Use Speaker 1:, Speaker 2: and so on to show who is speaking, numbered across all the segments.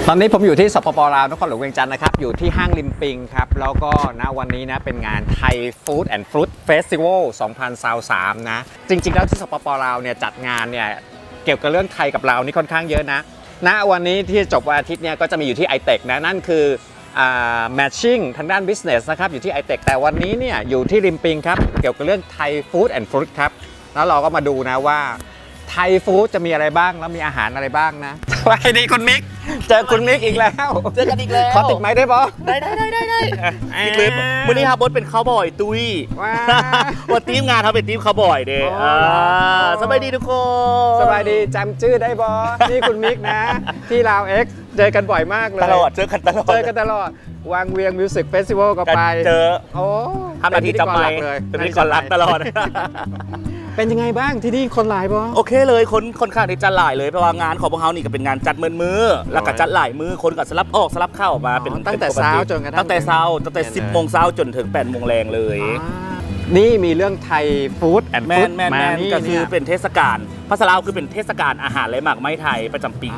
Speaker 1: ตอนนี้ผมอยู่ที่สปป.ลาวนครหลวงเวียงจันทร์นะครับอยู่ที่ห้างริมปิงครับแล้วก็ณวันนี้นะเป็นงานไทยฟู้ดแอนด์ฟรุตเฟสติวัล2023นะจริงๆแล้วที่สปป.ลาวเนี่ยจัดงานเนี่ยเกี่ยวกับเรื่องไทยกับลาวนี่ค่อนข้างเยอะนะณวันนี้ที่จบวันอาทิตย์เนี่ยก็จะมีอยู่ที่ iTech นะนั่นคือmatching ทางด้าน business นะครับอยู่ที่ iTech แต่วันนี้เนี่ยอยู่ที่ริมปิงครับเกี่ยวกับเรื่องไทยฟู้ดแอนด์ฟรุตครับแล้วเราก็มาดูนะว่าไทยฟู้ดจะมีอะไรบ้างแล้วมีอาหารอะไรบ้างนะสวัสดีคุณมิกเจอคุณมิกอีกแล้ว
Speaker 2: เจอกันอีกแล้ว
Speaker 1: ขอติดไม้ได้ปะ
Speaker 2: ได้อีกเลยวันนี้ครับบดเป็นข้าวบอยตุ้ยวันทีมงานเขาเป็นทีมข้าวบอยเด้สบายดีทุกคน
Speaker 1: สบายดีจำชื่อได้บอนี่คุณมิกนะที่ลาวเอ็กซ์เจอกันบ่อยมากเลย
Speaker 2: ตลอดเจอกันตลอด
Speaker 1: วางเวียงมิวสิกเฟสติวัลก็ไป
Speaker 2: เจอ
Speaker 1: โอ้
Speaker 2: ทำหน้าที่จำไม่เป็นพิธีกรรักตลอด
Speaker 1: เป็นยังไงบ้างที่นี่คนหลายบ่
Speaker 2: โอเคเลยคนข้างที่จัดหลายเลยเพราะว่างานของพวกเขานี่ก็เป็นงานจัดมือแล้วก็จัดหลายมือคนก็สลับออกสลับเข้ามาเป็น
Speaker 1: ตั้งแต่เช้าจนกระทั่ง
Speaker 2: ตั้งแต่10 โมงเช้าจนถึง8 โมงแรงเลย
Speaker 1: นี่มีเรื่องไทยฟู้ดแอนด์ฟรุตมานี่
Speaker 2: ก็คือเป็นเทศกาลภาษาลาวคือเป็นเทศกาลอาหารและหมากไม้ไทยประจำปี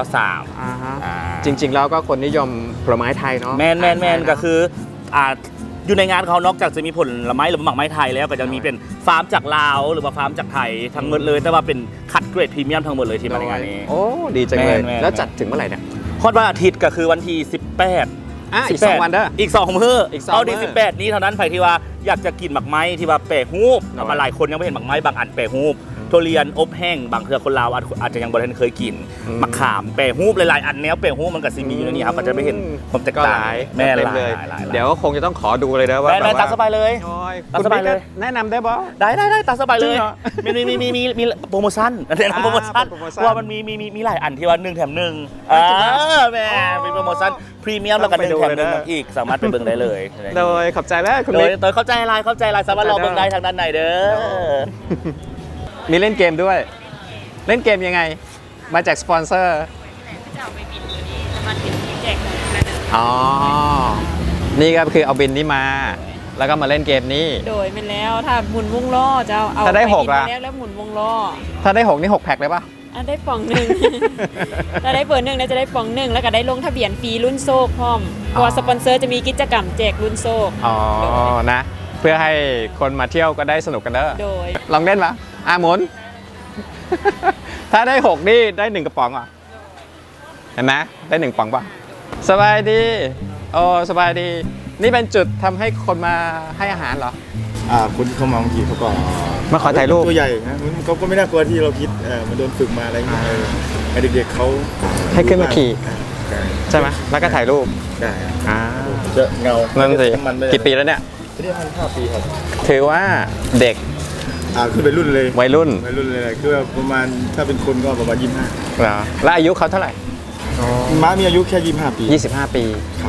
Speaker 2: 2023
Speaker 1: จริงๆแล้วก็คนนิยมผลไม้ไทยเนาะ
Speaker 2: แมนก็คืออยู่ในงานเขานอกจากจะมีผลไม้หรือหมากไม้ไทยแล้วก็จะมีเป็นฟาร์มจากลาวหรือว่าฟาร์มจากไทยทั้งหมดเลยแต่ว่าเป็นคัดเกรดพรีเมียมทั้งหมดเลยที่มาในงานนี้
Speaker 1: โอ้ดีจังเลยแล้วจัดถึงเมื่อไหร่เนี่ย
Speaker 2: ฮอดวันอาทิตย์ก็คือวันที่18
Speaker 1: อีก2 วันเด้อ
Speaker 2: อีก2 มื้อเอาดี18นี้เท่านั้นใครที่ว่าอยากจะกินหมากไม้ที่ว่าแปะฮูบมาหลายคนยังไม่เห็นหมากไม้บางอันแปะฮูบทุเรียนอบแห้งบางเทื่อคนลาวอาจจะยังบ่ทันเคยกินมะขามแปะฮูบหลายๆอันแนวแปะฮูบมันก็สิมีอยู่ในนี้ครับก็จะไม่เห็นความแตกต่าง
Speaker 1: แม่เลยเดี๋ยวก็คงจะต้องขอดูเลยนะว่า
Speaker 2: ได้ตามสบายเลย
Speaker 1: ตามสบายเลยแนะนำได้บ่
Speaker 2: ได้ตามสบายเลยมีโปรโมชั่นโปรโมชั่นว่ามันมีหลายอันที่ว่า1 แถม 1แม่มีโปรโมชั่นพรีเมียมแล้วกัน1 แถม 1อีกสามารถไปเบิ่งได้เลย
Speaker 1: โดยขอบใจแล้วคุณ
Speaker 2: โดยเข้าใจไลน์สามารถรอเบิ่งได้ทางด้านไหนเด้อ
Speaker 1: มีเล่นเกมด้วยเล่นเกมยังไงมาจากสปอนเซอร์อ๋อนี่ก็คือเอาบินนี้มาแล้วก็มาเล่นเกมนี้
Speaker 3: โดยเป็นแล้วถ้าหมุนวงล้อจะเอา
Speaker 1: ถ้าได้6ล่ะ
Speaker 3: แล้วหมุนวงล้อ
Speaker 1: ถ้าได้6นี่6แพ็คเลยป่ะ
Speaker 3: ได้ป่อง 1ถ้าได้เบอร์ 1นะจะได้ป่อง 1แล้วก็ได้ลงทะเบียนฟรีรุ่นโซกพร้อมเพราะว่าสปอนเซอร์จะมีกิจกรรมแจกรุ่นโซก
Speaker 1: อ๋อนะเพื่อให้คนมาเที่ยวก็ได้สนุกกันเด้อ
Speaker 3: โดย
Speaker 1: ลองเล่นปะหมุน ถ้าได้6นี่ได้1 กระป๋องอ่ะเห็นไหมได้1 ป๋องป่ะสบายดีโอ้สบายดีนี่เป็นจุดทำให้คนมาให้อาหารเหรอ
Speaker 4: คนเข้ามาบางทีเขาก็
Speaker 1: มาขอถ่ายรูป
Speaker 4: ตัวใหญ่นะเขาก็ไม่น่ากลัวที่เราคิดมันโดนฝึกมาอะไรอย่างเงี้ยเด็กๆเขา
Speaker 1: ให้ขึ้นมาขี่ใช่ไหมแล้วก็ถ่ายรูป
Speaker 4: ได้
Speaker 1: จะ
Speaker 4: เงา
Speaker 1: นั่นสิกี่ปีแล้วเนี่ย
Speaker 4: ที่มัน5 ปีครับ
Speaker 1: ถือว่าเด็ก
Speaker 4: คือวัยรุ่นเลย
Speaker 1: วัยรุ่น
Speaker 4: เลยคือประมาณถ้าเป็นคนก็ประมาณ25
Speaker 1: เหรอแล้วอายุเขาเท่าไหร่
Speaker 4: ม้ามีอายุแค่25 ปี
Speaker 1: 25 ปี
Speaker 4: ครับ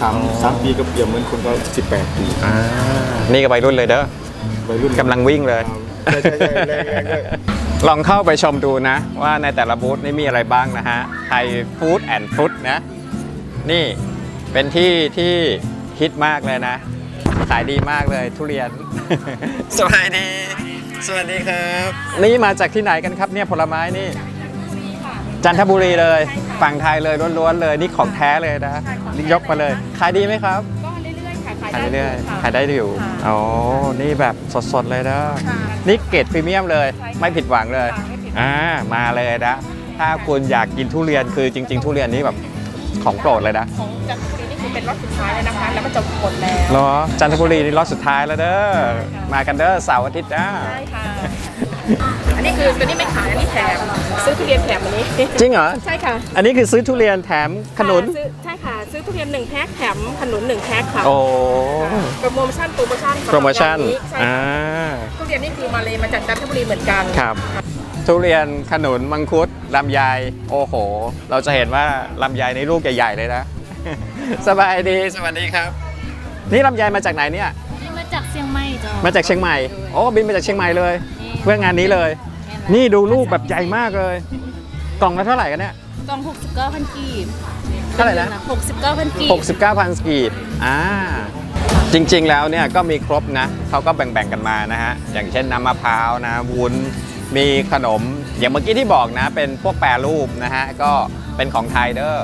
Speaker 4: 3 ปีก็เปรียบเหมือนคนก็18 ปี
Speaker 1: นี่ก็วัยรุ่นเลยเด้อ
Speaker 4: วัยรุ่น
Speaker 1: กำลังวิ่งเลย
Speaker 4: ใช่แรงด้วย
Speaker 1: ลองเข้าไปชมดูนะว่าในแต่ละบูธนี่มีอะไรบ้างนะฮะไทยฟู้ดแอนด์ฟรุตนะนี่เป็นที่ฮิตมากเลยนะขายดีมากเลยทุเรียนสวัสดีครับนี่มาจากที่ไหนกันครับเนี่ยผลไม้นี่จันทบุรีเลยฝั่งไทยเลยล้วนๆเลยนี่ของแท้เลยนะยกมาเลยขายดีไหมครับ
Speaker 3: ก็เรื่อยๆค่ะ
Speaker 1: ขายเรื่อยๆขายได้อยู่อ๋อนี่แบบสดๆเลยนะนี่เกรดพรีเมียมเลยไม่ผิดหวังเลยมาเลยนะถ้าคุณอยากกินทุเรียนคือจริงๆทุเรียนนี้แบบของโปรดเลยนะ
Speaker 3: ของจันทบุรีนี่คือเป็นรอบสุดท้ายเลยนะคะแล้วมันจะหมดแล้ว
Speaker 1: เหรอจันทบุรีนี่รอบสุดท้ายแล้วเด้อมากันเด้อเสาร์อาทิตย์นะ
Speaker 3: ใช่ค่ะอันนี้คือตัวนี้ไม่ขายอันนี้แถมซื้อทุเรียนแถมอันนี้
Speaker 1: จริงเหรอ
Speaker 3: ใช่ค่ะ
Speaker 1: อันนี้คือซื้อทุเรียนแถมขนุน
Speaker 3: ใช่ค่ะซื้อทุเรียน1 แพ็คแถมขนุน1 แพ็คค่ะ
Speaker 1: โอ้
Speaker 3: โปรโมชั่นทุเรียนนี่คือมาเลยมาจากจันทบุรีเหมือนกัน
Speaker 1: ครับทุเรียนขนุนมังคุดลำไยโอ้โหเราจะเห็นว่าลำไยในลูกใหญ่ๆเลยนะสบายดีสวัสดีครับนี่ลำไยมาจากไหนเนี่ย
Speaker 5: มาจากเชียงใหม่จ้ะ
Speaker 1: มาจากเชียงใหม่โอ้บินมาจากเชียงใหม่เลยเพื่องานนี้เลยนี่ดูลูกแบบใหญ่มากเลยกล่องละเท่าไหร่กันเนี่ย
Speaker 5: กล่อง69,000 กีบ
Speaker 1: เท่าไหร่นะ
Speaker 5: 69,000 กีบ
Speaker 1: 69,000 กีบจริงๆแล้วเนี่ยก็มีครบนะเขาก็แบ่งๆกันมานะฮะอย่างเช่นน้ำมะพร้าวนะวุ้นมีขนมอย่างเมื่อกี้ที่บอกนะเป็นพวกแปรรูปนะฮะก็เป็นของไทยเด้อ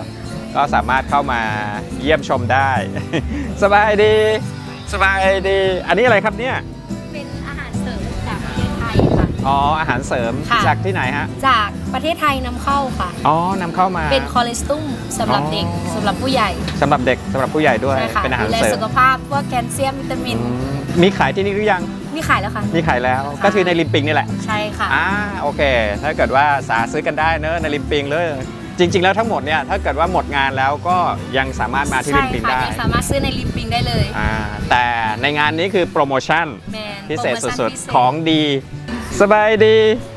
Speaker 1: ก็สามารถเข้ามาเยี่ยมชมได้ สบายดีสบายดี อันนี้อะไรครับเนี่ย
Speaker 5: เป็นอาหารเสริมจากประเทศไทยค่ะ
Speaker 1: อ๋ออาหารเสริม
Speaker 5: ค่ะ
Speaker 1: จากที่ไหนฮะ
Speaker 5: จากประเทศไทยนำเข้าค่ะ
Speaker 1: อ๋อนำเข้ามา
Speaker 5: เป็นคอเลสเตอรอลสำหรับเด็กสำหรับผู้ใหญ่
Speaker 1: สำหรับเด็กสำหรับผู้ใหญ่ด้วย
Speaker 5: ใช่ค่ะ
Speaker 1: เป็นอาหาร
Speaker 5: ดูแล
Speaker 1: เสริม
Speaker 5: สุขภาพพวกแคลเซียมวิตามิน
Speaker 1: มีขายที่นี่หรือยัง
Speaker 5: มีขายแล้วค่ะ
Speaker 1: มีขายแล้ว ก็คือในริมปิงนี่แหละ
Speaker 5: ใช่ค่ะ
Speaker 1: โอเค ถ้าเกิดว่าสาซื้อกันได้เนอะในริมปิงเลย จริง ๆ แล้วทั้งหมดเนี่ยถ้าเกิดว่าหมดงานแล้วก็ยังสามารถมาที่
Speaker 5: ใช่
Speaker 1: ริมปิง
Speaker 5: ค่ะ
Speaker 1: ได้
Speaker 5: ยังสามารถซื้อในลิปปิงได้เลย
Speaker 1: แต่ในงานนี้คือโปรโมชั่น
Speaker 5: แมน
Speaker 1: พิเศษ
Speaker 5: โปรโมชั่น
Speaker 1: สุด
Speaker 5: พิเศษ
Speaker 1: ๆ ของดี สบายดี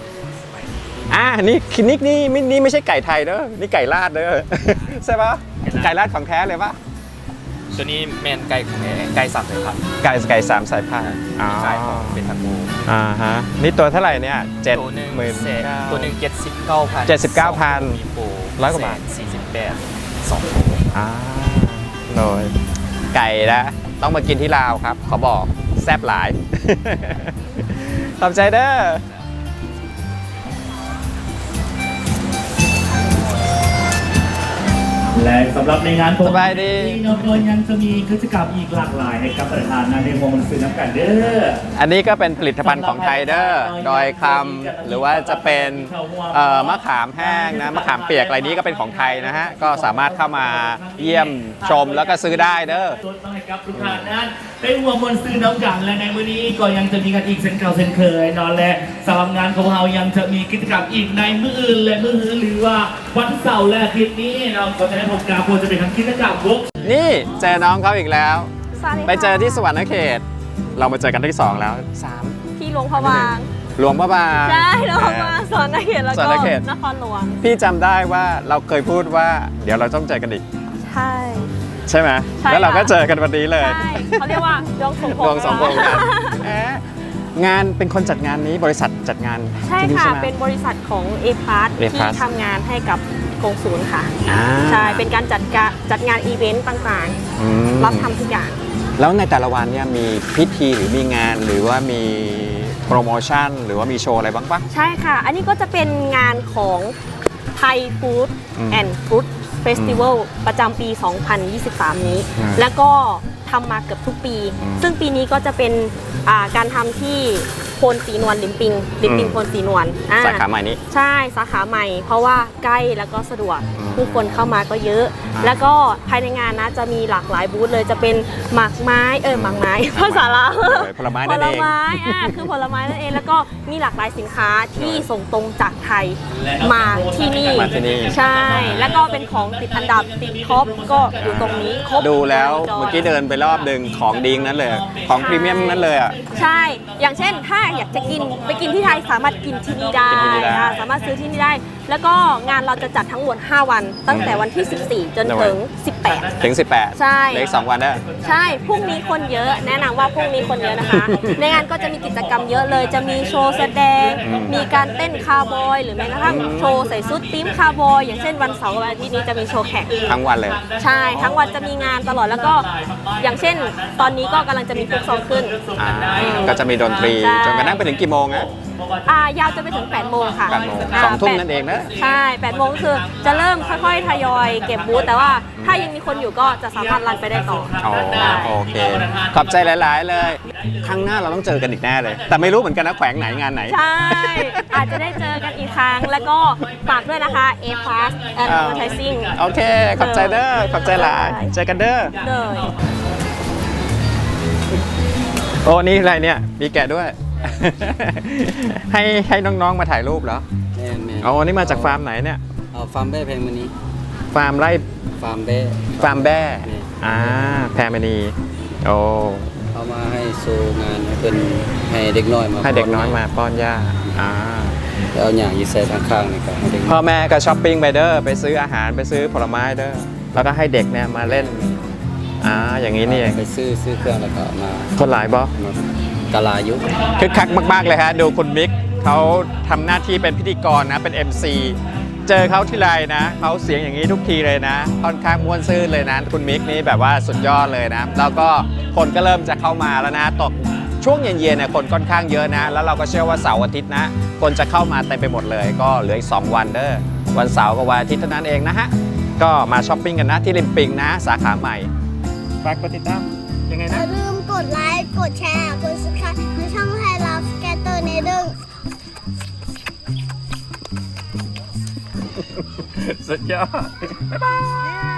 Speaker 1: นี่ไม่ใช่ไก่ไทยเด้อนี่ไก่ลาดเด้อ ใช่ปะไก่ลาดของแท้เลยปะ
Speaker 6: ตัวนี้แมนไก่ของแท้ไก่สับเลยครับ
Speaker 1: ไก่สามสายพันธุ์อ๋อ
Speaker 6: ไก่ของเป็นทังโก
Speaker 1: ฮะนี่ตัวเท่าไหร่เนี่ยเจ็ด
Speaker 6: ตัวหนึ่ง
Speaker 1: หมื่น
Speaker 6: แสนตัวหนึ่ง79,000
Speaker 1: 79,000
Speaker 6: มีโปร
Speaker 1: ร้อยกว่าบาท
Speaker 6: 48 2โปร
Speaker 1: โดยไก่นะต้องมากินที่ลาวครับ ขอบอกแซ่บหลาย ขอบใจเด้อ
Speaker 2: และสำหรับในงาน
Speaker 1: สบายดี
Speaker 2: นอกจากยังจะมีกิจกรรมอีกหลากหลายให้กับประธานในวงมันซื้อน้ำกันเด้อ
Speaker 1: อันนี้ก็เป็นผลิตภัณฑ์ของไทยเด้อดอยคำหรือว่าจะเป็นมะขามแห้งนะมะขามเปียกอะไรนี้ก็เป็นของไทยนะฮะก็สามารถเข้ามาเยี่ยมชมแล้วก็ซื้อได้เด้อ
Speaker 2: ต้นให้กับทุกท่านนั้นได้หัวมนต์ซื้อน้ำกันและในมื้อนี้ก็ยังจะมีกันอีกเช่นเก่าเช่นเคยนอนและสำหรับงานของเรายังจะมีกิจกรรมอีกในมื้ออื่นและมื้อหือหรือว่าวันเสาร์และอาทิตย์นี้เราก็จะได้พบกับควรจะเป็นทำกิจกรรมบุ๊ก
Speaker 1: นี่เจอน้องเขาอีกแล้ว ไปเจอที่สวรรณเขต เรามาเจอกันที่สองแล้วสาม
Speaker 3: ที่หลวงพระบาง
Speaker 1: หลวงพระบาง
Speaker 3: ใช่หลวงพระบางสอนเขตแล้ว
Speaker 1: สอน
Speaker 3: ก็
Speaker 1: เขต
Speaker 3: นครหลวง
Speaker 1: พี่จำได้ว่าเราเคยพูดว่าเดี๋ยวเราต้องเจอกันอีก
Speaker 3: ใช่
Speaker 1: ใช่ไหม
Speaker 3: ใช่
Speaker 1: แล้วเราก็
Speaker 3: ค่ะ
Speaker 1: เจอกันวันนี้เลย
Speaker 3: ใช่เขาเรียกว่าดวงสมพงษ์
Speaker 1: ดวงสมพงษ์กันแหมงานเป็นคนจัดงานนี้บริษัทจัดงาน
Speaker 3: ใช่
Speaker 1: ที่นี่
Speaker 3: ค่ะ
Speaker 1: ไหม
Speaker 3: เป็นบริษัทของ A Plus ที่
Speaker 1: A-Plus
Speaker 3: ทำงานให้กับกงศูนย์ค่ะ
Speaker 1: อ่า
Speaker 3: ใช่ เป็นการจัดงานอีเวนต์ต่าง
Speaker 1: อืม
Speaker 3: ๆ รับทำทุกอย่าง
Speaker 1: แล้วในแต่ละวันเนี่ยมีพิธีหรือมีงานหรือว่ามีโปรโมชั่น หรือว่ามีโชว์อะไรบ้างปะ
Speaker 3: ใช่ค่ะ อันนี้ก็จะเป็นงานของไทยฟู้ด
Speaker 1: อืม
Speaker 3: แอนด์ฟรุตเฟสติวัลประจำปี 2023 นี้
Speaker 1: อืม
Speaker 3: แล้วก็ทำมาเกือบทุกปี
Speaker 1: อืม
Speaker 3: ซึ่งปีนี้ก็จะเป็นการทำที่โพนสีนวลลิมปิง
Speaker 1: อืม
Speaker 3: โพนสีนวล
Speaker 1: สาขาใหม่นี้
Speaker 3: ใช่สาขาใหม่ เพราะว่าใกล้แล้วก็สะดวก
Speaker 1: อืม
Speaker 3: ผู้คนเข้ามาก็เยอะ
Speaker 1: อ่า
Speaker 3: แล้วก็ภายในงานนะจะมีหลากหลายบูธเลยจะเป็นหมากไม้หมากไม้ ภาษาลาว
Speaker 1: ผลไม้
Speaker 3: ผ
Speaker 1: นั่น
Speaker 3: ล
Speaker 1: เอง
Speaker 3: ไม้คือผลไม้นั่นเองแล้วก็มีหลากหลายสินค้าที่ส่งตรงจากไทยมาที่นี่
Speaker 1: มาที่นี่
Speaker 3: ใช่ แล้วก็เป็นของติดอันดับติดท็อปก็อยู่ตรงนี้ครบ
Speaker 1: ดูแล้ว
Speaker 3: จย
Speaker 1: เมื่อกี้เดินไปรอบหนึ่งของดีนั้นเลย ของพรีเมียมนั้นเลยอ่ะ
Speaker 3: ใช่ อย่างเช่นถ้าอยากจะกินไปกินที่ไทยสามารถกินที่นี่ได้
Speaker 1: กินที่นี่ได้
Speaker 3: สามารถซื้อที่นี่ได้ แล้วก็งานเราจะจัดทั้งหมด 5 วัน ตั้งแต่วันที่ 14 จนถึง 18
Speaker 1: ถึง 18
Speaker 3: ใช่
Speaker 1: เหลืออีก2วันเด้อ
Speaker 3: ใช่ พรุ่งนี้คนเยอะ แนะนำว่าพรุ่งนี้คนเยอะนะคะ ในงานก็จะมีกิจกรรมเยอะเลย จะมีโชว์แสดง มีการเต้นคาร์บอย หรือแม้กระทั่งโชว์ใส่ชุดทีมคาร์บอย อย่างเช่นวันเสาร์วันอาทิตย์นี้จะมีโชว์แข่ง
Speaker 1: ทั้งวันเลย
Speaker 3: ใช่ ทั้งวันจะมีงานตลอด แล้วก็อย่างเช่น ตอนนี้ก็กำลังจะมีฟุกซองขึ้น
Speaker 1: ก็จะมีดนตรี
Speaker 3: ใช่
Speaker 1: จนกระทั่งไปถึงกี่โมงนะ
Speaker 3: ยาวจะไปถึง 8 โมงค่ะ
Speaker 1: 8 โมง2 ทุ่มนั่นเองนะ
Speaker 3: ใช่ 8 โมงก็คือจะเริ่มค่อยๆ ทยอยเก็บบูธ แต่ว่าถ้ายังมีคนอยู่ก็จะสามารถรันไปได้ต่อ
Speaker 1: อ๋อโอเค ขอบใจหลาย ๆ เลย ครั้งหน้าเราต้องเจอกันอีกแน่เลย แต่ไม่รู้เหมือนกันนะแขวงไหนงานไหน
Speaker 3: ใช่ อาจจะได้เจอกันอีกครั้ง แล้วก็ฝากด้วยนะคะ A Plus and Advertising
Speaker 1: โอเค ขอบใจเด้อ ขอบใจหลาย เจอกันเด้อ
Speaker 3: เลย
Speaker 1: โอ้ นี่อะไรเนี่ย มีแกะด้วย ให้น้อง ๆ มาถ่ายรูปเหรอ
Speaker 7: แม่แม่
Speaker 1: อ๋อ นี่มาจากฟาร์มไหนเนี่ย
Speaker 7: เอาฟาร์มแบ้แพงมณี
Speaker 1: ฟาร์มไร่
Speaker 7: ฟาร์มแบ้
Speaker 1: ฟาร์มแบ้
Speaker 7: นี่
Speaker 1: แพรมณี โอ้
Speaker 7: เอามาให้โชว์งานให้เป็นให้เด็กน้อยมา
Speaker 1: ให้เด็กน้อยมาป้อนย่า
Speaker 7: แล้วเอาอย่างยีใส่ข้างๆนี่ก็ให้เด็ก
Speaker 1: พ่อแม่ก็ช้อปปิ้งไปเด้อ ไปซื้ออาหาร ไปซื้อผลไม้เด้อ แล้วก็ให้เด็กเนี่ยมาเล่น อย่างนี้นี่เอง
Speaker 7: ไปซื้อเครื่องแล้วก็มา
Speaker 1: คนหลายบอ
Speaker 7: กะลายุ
Speaker 1: คึกคักมาก ๆ เลยฮะ ดูคุณมิกเขาทำหน้าที่เป็นพิธีกรนะ เป็น MC เจอเขาทีไรนะเขาเสียงอย่างนี้ทุกทีเลยนะ ค่อนข้างม่วนซื่นเลยนะ คุณมิกนี่แบบว่าสุดยอดเลยนะ แล้วก็คนก็เริ่มจะเข้ามาแล้วนะ ตกช่วงเย็นๆเนี่ยคนค่อนข้างเยอะนะ แล้วเราก็เชื่อว่าเสาร์อาทิตย์นะ คนจะเข้ามาเต็มไปหมดเลย ก็เหลืออีก2 วันเด้อ วันเสาร์กับวันอาทิตย์เท่านั้นเองนะฮะก็มาช้อปปิ้งกันนะที่ริมปิงนะสาขาใหม่ฝากกดติดตามยังไง
Speaker 8: อ
Speaker 1: นะ
Speaker 8: ย่าลืมกดไลค์ กดแชร์ กด subscribe ในช่องไทยเราสแกตเตอร์ในดึง
Speaker 1: สุดยอด บ๊ายบาย